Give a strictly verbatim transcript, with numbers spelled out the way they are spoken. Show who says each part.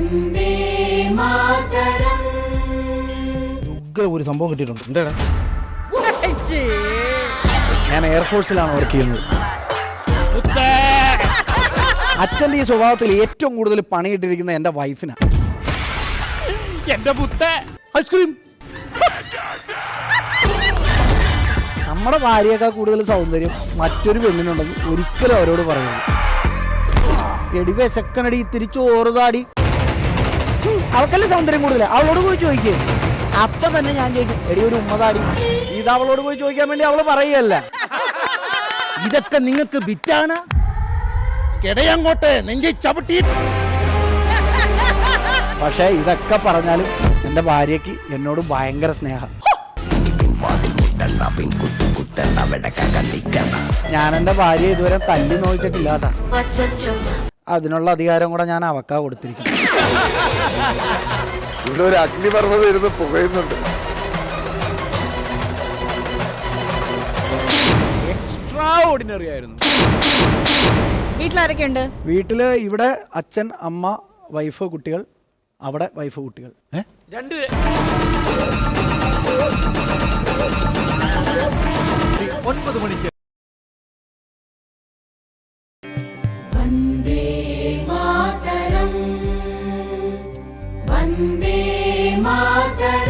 Speaker 1: ഒരു സംഭവം കിട്ടിയിട്ടുണ്ട്. എന്താ ഞാൻ എയർഫോഴ്സിലാണ് വർക്ക് ചെയ്യുന്നത്. അച്ഛൻ്റെ ഈ സ്വഭാവത്തിൽ ഏറ്റവും കൂടുതൽ പണിയിട്ടിരിക്കുന്നത് എൻ്റെ വൈഫിനാണ്.
Speaker 2: എന്റെ പുത്ത
Speaker 1: ഐസ്ക്രീം. നമ്മുടെ ഭാര്യയേക്കാൾ കൂടുതൽ സൗന്ദര്യം മറ്റൊരു പെണ്ണിനുണ്ടെന്ന് ഒരിക്കലും അവരോട് പറയുന്നു. എടി വിശക്കനടി തിരിച്ചു ഓറുതാടി. അവക്കല്ലേ സൗന്ദര്യം കൂടുതൽ, അവളോട് പോയി ചോദിക്കേ. അപ്പൊ തന്നെ ഞാൻ ചോദിക്കും എടി ഒരു ഉമ്മതാടി. ഇത് അവളോട് പോയി ചോദിക്കാൻ വേണ്ടി അവള് പറയുകയല്ല. ഇതൊക്കെ നിങ്ങൾക്ക് ബിറ്റാണ്. കിടയങ്ങോട്ട് നെഞ്ചി ചവിട്ടി. പക്ഷേ ഇതൊക്കെ പറഞ്ഞാലും എൻ്റെ ഭാര്യയ്ക്ക് എന്നോട് ഭയങ്കര സ്നേഹം. ഞാൻ എൻ്റെ ഭാര്യ ഇതുവരെ തല്ലി നോക്കിച്ചിട്ടില്ല കേട്ടാ. അതിനുള്ള അധികാരം കൂടെ ഞാൻ അവക്കാ കൊടുത്തിരിക്കുന്നു.
Speaker 3: ഇവിടെ ഒരു അഗ്നിപർവ്വതം ഇരുന്ന് പുകയുന്നുണ്ട്.
Speaker 2: എക്സ്ട്രാ ഓർഡിനറി ആയിരുന്നു.
Speaker 4: വീട്ടിലാരൊക്കെ ഉണ്ട്?
Speaker 1: വീട്ടില് ഇവിടെ അച്ഛൻ, അമ്മ, വൈഫ്, കുട്ടികൾ. അവിടെ വൈഫ്, കുട്ടികൾ.
Speaker 2: രണ്ട് ഒൻപത് മണിക്ക്
Speaker 5: വന്ദേ മാതരം വന്ദേ മാതരം.